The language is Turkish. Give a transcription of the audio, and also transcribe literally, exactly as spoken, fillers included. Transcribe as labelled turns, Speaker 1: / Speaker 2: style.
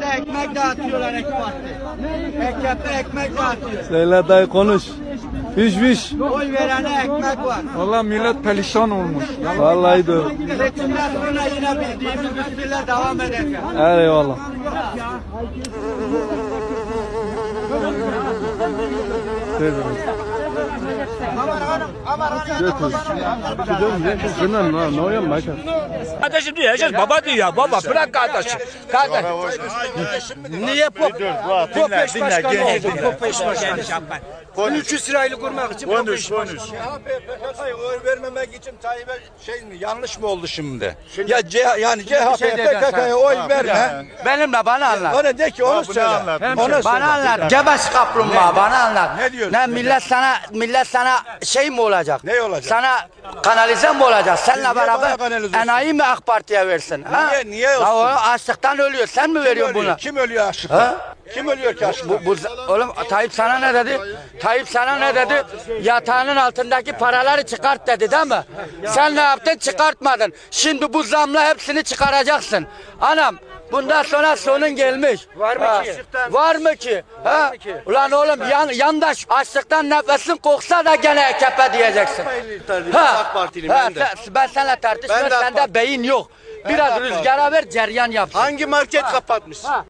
Speaker 1: ekmek dağıtıyorlar AK Parti. A K P ekmek dağıtıyor.
Speaker 2: Söyle dayı konuş. Fiş fiş.
Speaker 1: Oy verene ekmek var.
Speaker 3: Valla millet perişan olmuş.
Speaker 2: Vallahi de öyle.
Speaker 1: Seçimden sonra yine bildiğimiz üstüyle devam edeceğiz.
Speaker 2: Eyvallah.
Speaker 4: Kardeşim diyor, herkes baba diyor ya, baba bırak kardeşim. Kardeş. Niye pop? Pop eş başkanı oldu, pop eş başkanı. üç yüz lirayla kurmak için pop eş başkanı.
Speaker 5: C H P P K K'yı oy vermemek için Tayyip'e şey mi yanlış mı oldu şimdi? Ya C, yani C H P P K K'ya oy verme.
Speaker 4: Benimle bana anlat.
Speaker 5: Ona de ki onu söyle. Ona söyle.
Speaker 4: Bana anlat. Gebes kaplumbağa bana anlat.
Speaker 5: Ne diyorsun?
Speaker 4: Ne millet sana millet sana şey mi olacak?
Speaker 5: Ne olacak?
Speaker 4: Sana kanalize mi olacak? Seninle
Speaker 5: niye
Speaker 4: beraber
Speaker 5: bana kanalize olsun?
Speaker 4: enayi mi AK Parti'ye versin? Ha?
Speaker 5: Niye- niye
Speaker 4: Ya o
Speaker 5: olsun?
Speaker 4: açlıktan ölüyor. Sen mi veriyorsun
Speaker 5: Kim ölüyor?
Speaker 4: buna?
Speaker 5: Kim ölüyor açlıktan? Kim ölüyor ki açlıktan?
Speaker 4: Bu, bu, oğlum Tayyip sana ne dedi? Tayyip sana ne dedi? Yatağının altındaki paraları çıkart dedi değil mi? Sen ne yaptın? Çıkartmadın. Şimdi bu zamla hepsini çıkaracaksın. Anam bundan sonra sonun gelmiş. Var mı ki? Var mı ki? Ha? Ulan oğlum yan, yandaş açlıktan nefesin koksa da gene A K P diyeceksin. Ha. Ha, sen- ben seninle tartışmıyorum. Sende beyin yok. Biraz rüzgara ver, ceryan yapsın.
Speaker 5: Hangi market kapatmış?